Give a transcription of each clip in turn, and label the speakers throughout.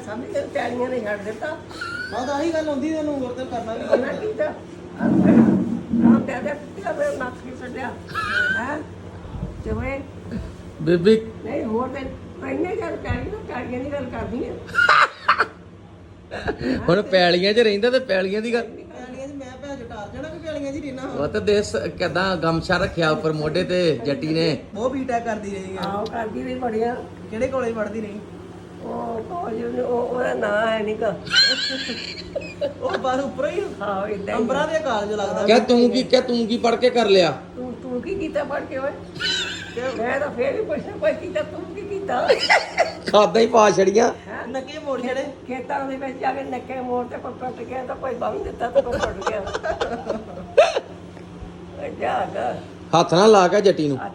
Speaker 1: ਸਮਝ ਕੇ ਪੈਲੀਆਂ ਨੇ ਛੱਡ ਦਿੱਤਾ
Speaker 2: ਹਾਂ ਤਾਂ ਆਹੀ ਗੱਲ ਹੁੰਦੀ ਤੈਨੂੰ ਹੋਰ ਤਾਂ ਕਰਨਾ ਵੀ
Speaker 1: ਉਹਨਾਂ ਕੀਤਾ ਰਾਮ ਦੇ ਦੇ ਤੇ ਨੱਕ ਕੀ ਛੱਡਿਆ ਹੈ ਤੇ ਵੇ
Speaker 3: ਬੀਬੀ
Speaker 1: ਨਹੀਂ ਹੋਰ ਤੇ ਇੰਨੇ ਗੱਲ ਕਰੀ ਨਾ ਕਾੜੀਆਂ ਦੀ ਗੱਲ ਕਰਦੀ ਹੈ
Speaker 3: ਹੁਣ ਪੈਲੀਆਂ 'ਚ ਰਹਿੰਦਾ ਤੇ ਪੈਲੀਆਂ ਦੀ ਗੱਲ
Speaker 2: ਪੈਲੀਆਂ 'ਚ ਮੈਂ ਭੈਣ ਟਾਰ ਜਾਣਾ ਵੀ ਪੈਲੀਆਂ 'ਚ ਹੀ ਰਹਿਣਾ
Speaker 3: ਉਹ ਤੇ ਦੇਖ ਕਿਦਾਂ ਗਮਛਾ ਰੱਖਿਆ ਉੱਪਰ ਮੋਢੇ ਤੇ ਜੱਟੀ ਨੇ
Speaker 2: ਉਹ ਬੀਟੈਕ ਕਰਦੀ ਰਹੀ ਹੈ
Speaker 1: ਆਹ ਕਰਦੀ ਰਹੀ ਬੜੀਆਂ
Speaker 2: ਕਿਹੜੇ ਕਾਲਜ ਪੜ੍ਹਦੀ ਰਹੀ
Speaker 1: ਉਹ ਕਾਲਜ ਉਹਦਾ ਨਾਂ ਹੈ ਨੀਗਾ
Speaker 2: ਉਹ ਬਸ ਉੱਪਰੋਂ ਹੀ
Speaker 1: ਹਾਂ ਇਦਾਂ
Speaker 2: ਅੰਬਰਾਂ ਦੇ ਕਾਲਜ ਲੱਗਦਾ
Speaker 3: ਕਹਿ ਤੂੰ ਕੀ ਪੜ ਕੇ ਕਰ ਲਿਆ
Speaker 1: ਤੂੰ ਕੀ ਕੀਤਾ ਪੜ ਕੇ ਓਏ ਮੈਂ ਤਾਂ ਫੇਰ ਵੀ ਪੁੱਛਣਾ ਕੋਈ ਕੀਤਾ ਤੂੰ ਕੀ ਕੀਤਾ
Speaker 3: ਖਾਦਾਂ ਹੀ ਪਾ ਛੜੀਆਂ
Speaker 2: ਨੱਕੇ ਮੋੜ ਛੜੇ
Speaker 1: ਖੇਤਾਂ ਦੇ ਵਿੱਚ ਜਾ ਕੇ ਨੱਕੇ ਮੋੜ ਤੇ ਕੋਈ ਟੁੱਟ ਗਿਆ ਤਾਂ ਕੋਈ ਬੰਨ ਦਿੱਤਾ ਤਾਂ ਕੋਈ ਟੁੱਟ ਗਿਆ ਜਾਗਾ
Speaker 3: ਹੱਥ ਨਾਲ ਲਾ ਕੇ ਜੱਟੀ ਨੂੰ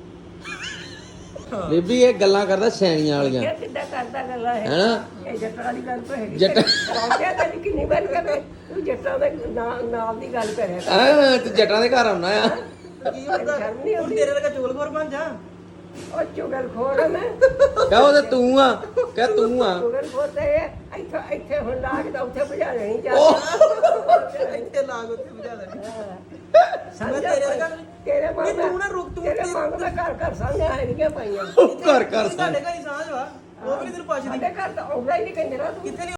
Speaker 3: ਬੀਬੀ ਇਹ ਗੱਲਾਂ ਕਰਦਾ ਸੈਣੀਆਂ ਵਾਲੀਆਂ
Speaker 1: ਇਹ ਕਿੱਦਾਂ ਕਰਦਾ ਗੱਲਾਂ ਹੈ
Speaker 3: ਹੈਨਾ
Speaker 1: ਇਹ ਜੱਟਾਂ ਦੀ ਗੱਲ ਤਾਂ ਹੈਗੀ
Speaker 3: ਜੱਟ
Speaker 1: ਰਾਜਾ ਤਾਂ ਕਿੰਨੀ ਵਾਰ ਕਰੇ ਤੂੰ ਜੱਟਾਂ ਦੇ ਨਾਲ ਦੀ ਗੱਲ ਕਰਿਆ ਕਰ
Speaker 3: ਆ ਤੇ ਜੱਟਾਂ ਦੇ ਘਰ ਆਉਣਾ ਆ
Speaker 2: ਕੀ ਹੁੰਦਾ
Speaker 1: ਸ਼ਰਮ ਨਹੀਂ
Speaker 2: ਹੁਣ
Speaker 1: ਆਉਂਦੀ
Speaker 2: ਤੇਰੇ ਵਰਗਾ ਚੋਲਖੋਰ ਬਣ ਜਾ
Speaker 1: ਉਹ ਚੁਗਲ ਖੋਰ ਆ ਮੈਂ
Speaker 3: ਕਹ ਉਹ ਤੇ ਤੂੰ ਆ ਕਹ ਤੂੰ ਆ
Speaker 1: ਚੁਗਲ ਖੋਰ ਤੇ ਇੱਥੇ ਹੁਣ ਲਾਗ ਦਾ ਉੱਥੇ ਭਜਾ ਲੈਣੀ ਚਾਹੀਦੀ
Speaker 2: ਇੱਥੇ ਲਾਗ ਉੱਥੇ ਬੁਝਾ ਦੇਣੀ
Speaker 1: ਸਮਝ
Speaker 2: ਤੇਰੇ ਵਰਗਾ
Speaker 1: ਤੇਰੇ
Speaker 2: ਨਹੀਂ ਤੂੰ ਨਾ ਰੁਕ ਤੂੰ
Speaker 1: ਤੇਰੇ ਮੰਗ ਦਾ ਘਰ ਸਾਂਝਾ ਹੈ ਨਹੀਂ ਪਾਈਆਂ
Speaker 3: ਘਰ
Speaker 2: ਸਾਡੇ ਘਰ ਹੀ ਸਾਂਝ ਵਾ ਉਹ ਵੀ ਨੀ ਤੈਨੂੰ ਪੁੱਛਦੀ
Speaker 1: ਸਾਡੇ ਘਰ ਤਾਂ ਆਉਂਦਾ ਹੀ ਨਹੀਂ ਕੰਜਰਾ ਤੂੰ
Speaker 2: ਕਿੱਥੇ ਨੀ